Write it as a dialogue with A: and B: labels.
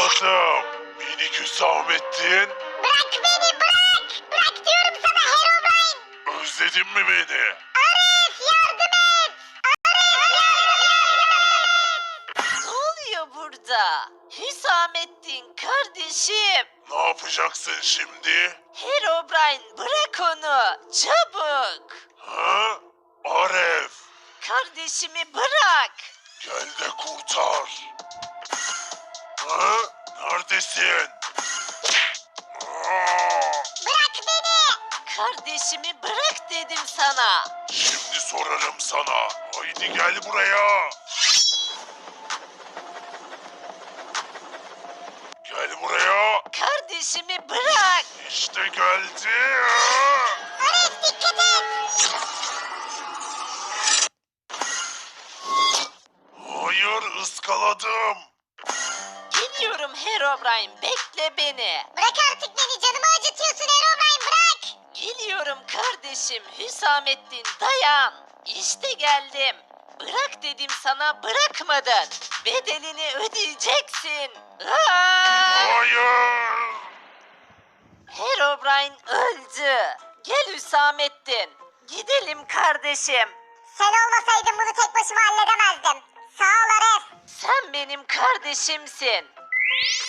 A: Evladım, minik Hüsamettin,
B: Bırak beni bırak. Bırak diyorum sana Herobrine.
A: özledin mi beni?
B: Arif yardım et. Arif yardım et.
C: Ne oluyor burada? Hüsamettin kardeşim.
A: Ne yapacaksın şimdi?
C: Herobrine bırak onu. Çabuk.
A: Ha? Aref,
C: Kardeşimi bırak.
A: gel de kurtar. Ha? Neredesin? Aa,
B: Bırak beni.
C: Kardeşimi bırak dedim sana.
A: şimdi sorarım sana. Haydi gel buraya. Gel buraya.
C: Kardeşimi bırak.
A: İşte geldi.
B: Arif dikkat et.
A: Hayır, ıskaladım.
C: Geliyorum Herobrine, bekle beni.
B: Bırak artık beni, canımı acıtıyorsun Herobrine, bırak.
C: Geliyorum kardeşim Hüsamettin, dayan. İşte geldim. Bırak dedim sana, bırakmadın. Bedelini ödeyeceksin. Aa!
A: Hayır.
C: Herobrine öldü. Gel Hüsamettin. Gidelim kardeşim.
B: Sen olmasaydın bunu tek başıma halledemezdim. Sağ ol Arif.
C: Sen benim kardeşimsin.